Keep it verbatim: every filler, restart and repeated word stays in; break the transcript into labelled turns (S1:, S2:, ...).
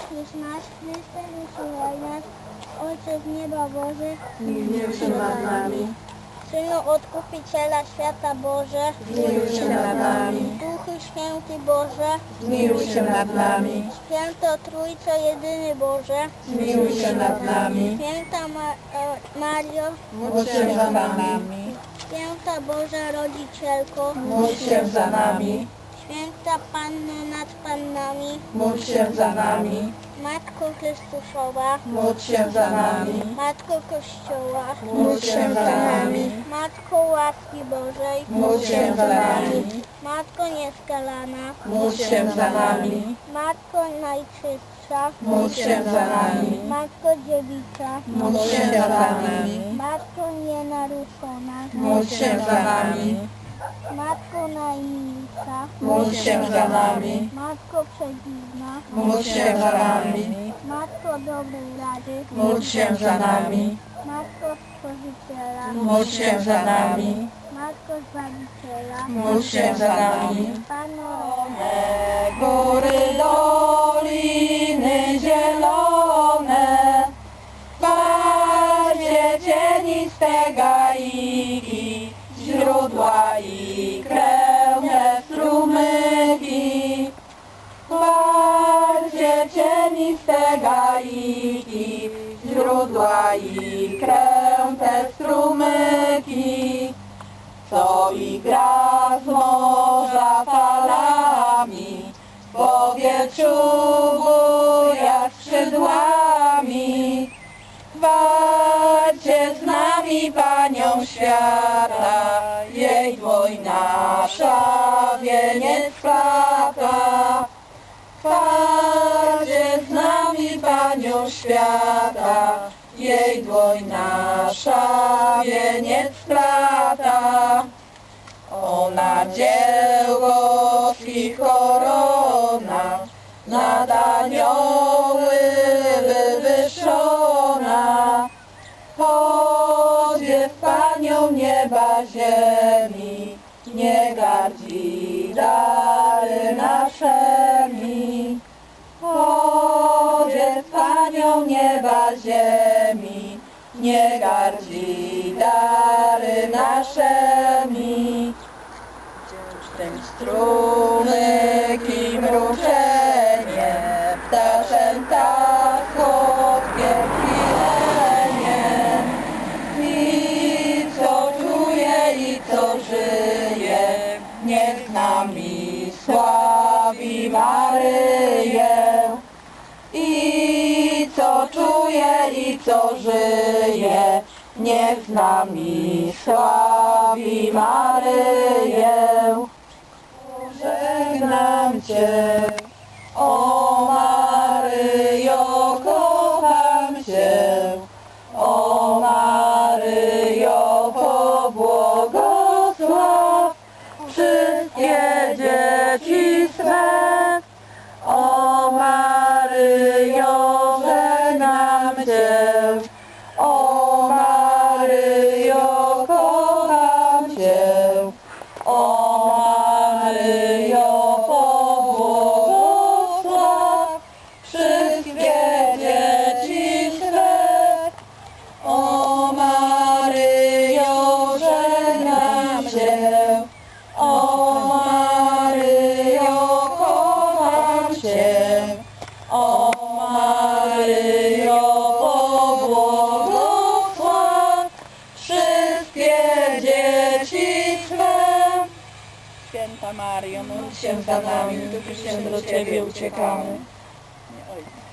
S1: Jezus nasz, Chryste, wysyłaj nas, Ojcze z nieba Boże,
S2: Zmiłuj się nad nami,
S1: Synu Odkupiciela świata Boże,
S2: zmiłuj się nad nami,
S1: Duchu Święty Boże,
S2: zmiłuj się nad nami,
S1: Święto Trójco Jedyny Boże,
S2: zmiłuj się nad nami,
S1: Święta Ma e, Mario,
S2: módl się za nami,
S1: Święta Boża Rodzicielko,
S2: módl się za nami,
S1: Święta Panno nad Pannami,
S2: módl się za nami,
S1: Matko Chrystusowa,
S2: módl się za nami,
S1: Matko Kościoła,
S2: módl się za nami,
S1: Matko łaski Bożej,
S2: módl się za nami,
S1: Matko nieskalana,
S2: módl się za nami,
S1: Matko najczystsza,
S2: módl się za nami,
S1: Matko dziewica,
S2: módl się za nami,
S1: Matko nienaruszona,
S2: módl się za nami,
S1: Matko najmilsza,
S2: módl się za nami,
S1: Matko przedziwna,
S2: módl się za nami,
S1: Matko dobrej rady,
S2: módl się za nami,
S1: Matko Stworzyciela,
S2: módl się za nami,
S1: Matko Zbawiciela,
S2: módl się za nami.
S1: Panu
S2: Góry, doliny zielone, bardzie cieniste gaiki, źródła i krewne strumyki. Bardzie cieniste gaiki, źródła i kręte strumyki, co i gra z morza falami, w powietrzu buja skrzydłami. Walcie z nami Panią świata, jej dłoń nasza wieniec splata. Walcie z nami Panią świata, jej dłoń nasza wieniec splata. Ona dzieło ich korona, nad anioły wywyższona. Podzie w Panią nieba ziemi, nie gardzi dary naszemi. Podzie w Panią nieba ziemi, nie gardzi dary naszemi. Ten strumyk i mruczenie, ptaszem tak kotkie chwilenie. I co czuje i co żyje, niech z nami sławi Maryję. I co czuje i co żyje, niech z nami sławi Maryję. Żegnam Cię, o Maryjo, kocham Cię, o Maryjo, pobłogosław wszystkie dzieci swe. O Maryjo, żegnam Cię, o Maryjo, kocham Cię, o Maryjo, pobłogosław wszystkie dzieci swe. O Maryjo, żegnam Cię, o Maryjo, kocham Cię, o Maryjo, pobłogosław wszystkie dzieci swe. Święta Maryjo, módl się za nami, którzy się do Ciebie uciekamy. Oj.